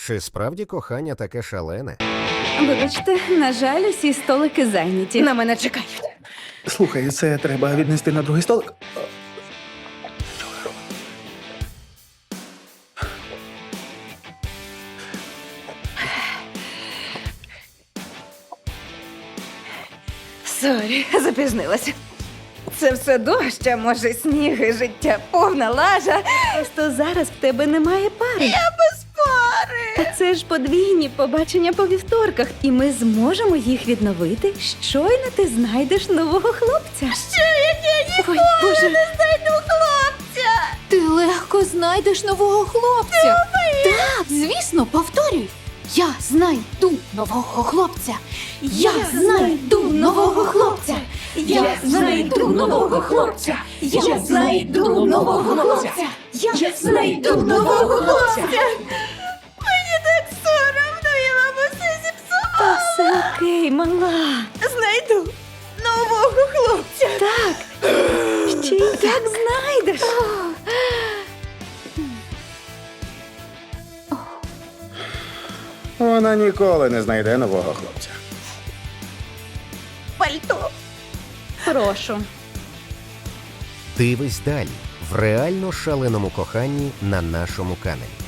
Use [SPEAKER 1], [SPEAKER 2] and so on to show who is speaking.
[SPEAKER 1] Чи справді кохання таке шалене?
[SPEAKER 2] Вибачте, на жаль, усі столики зайняті.
[SPEAKER 3] На мене чекають.
[SPEAKER 4] Слухай, це треба віднести на другий столик.
[SPEAKER 3] Сорі, запізнилася. Це все дощ, а може сніг і життя повна лажа.
[SPEAKER 2] Просто зараз в тебе немає пари.
[SPEAKER 3] Я без пари.
[SPEAKER 2] Та це ж подвійні побачення по вівторках, і ми зможемо їх відновити, щойно ти знайдеш нового хлопця.
[SPEAKER 3] Що як я ніколи
[SPEAKER 2] Боже.
[SPEAKER 3] не знайду хлопця?
[SPEAKER 5] Ти легко знайдеш нового хлопця. Так, звісно, повторюй. Я знайду нового хлопця. Я знайду нового хлопця. Я знайду нового хлопця. Я знайду нового хлопця. Я знайду нового хлопця.
[SPEAKER 3] Мені так соромно, я вам усе
[SPEAKER 2] Та
[SPEAKER 3] зіпсувала.
[SPEAKER 2] все окей, мала.
[SPEAKER 3] Знайду нового хлопця.
[SPEAKER 2] Так. Ще й як знайдеш.
[SPEAKER 4] Вона ніколи не знайде нового хлопця.
[SPEAKER 3] Пальто.
[SPEAKER 2] Прошу.
[SPEAKER 1] Дивись далі в реально шаленому коханні на нашому каналі.